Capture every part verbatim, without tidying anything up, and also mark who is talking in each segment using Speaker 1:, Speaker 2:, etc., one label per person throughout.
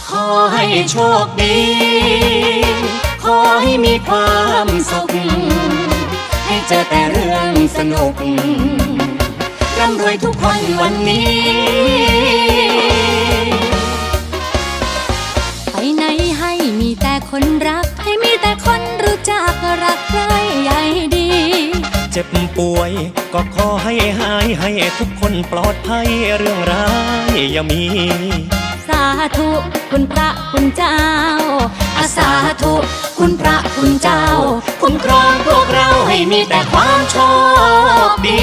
Speaker 1: ขอให้โชคดีขอให้มีความสุขให้เจอแต่เรื่องสนุกร่ำรวยทุกคนวันนี้
Speaker 2: ไปไหนให้มีแต่คนรักให้มีแต่คนรู้จักรักใครใหญ่ดี
Speaker 3: เจ็บป่วยก็ขอให้หายให้ทุกคนปลอดภัยเรื่องร้ายอย่ามี
Speaker 2: สาธุคุณพระคุณเจ้า
Speaker 1: อาสาธุคุณพระคุณเจ้าคุ้มครองพวกเราให้มีแต่ความโชคดี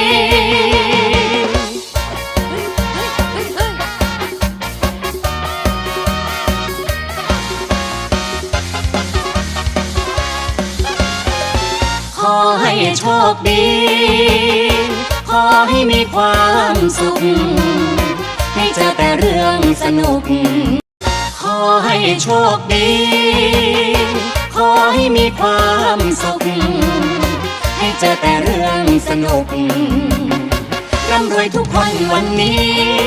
Speaker 1: ขอให้โชคดีขอให้มีความสุขให้เจอแต่เรื่องสนุกขอให้โชคดีขอให้มีความสุขให้เจอแต่เรื่องสนุกร่ำรวยทุกคนวันนี้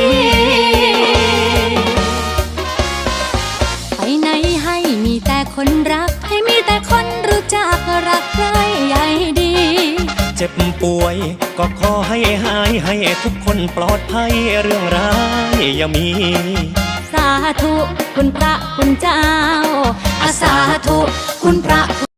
Speaker 2: ไปไหนให้มีแต่คนรักให้มีแต่คนรู้จักรักใครใหญ่ดี
Speaker 3: เจ็บป่วยก็ขอให้หายให้ทุกคนปลอดภัยเรื่องร้ายอย่ามี
Speaker 2: สาธุคุณพระคุณเจ้า
Speaker 1: อาสาธุคุณพระ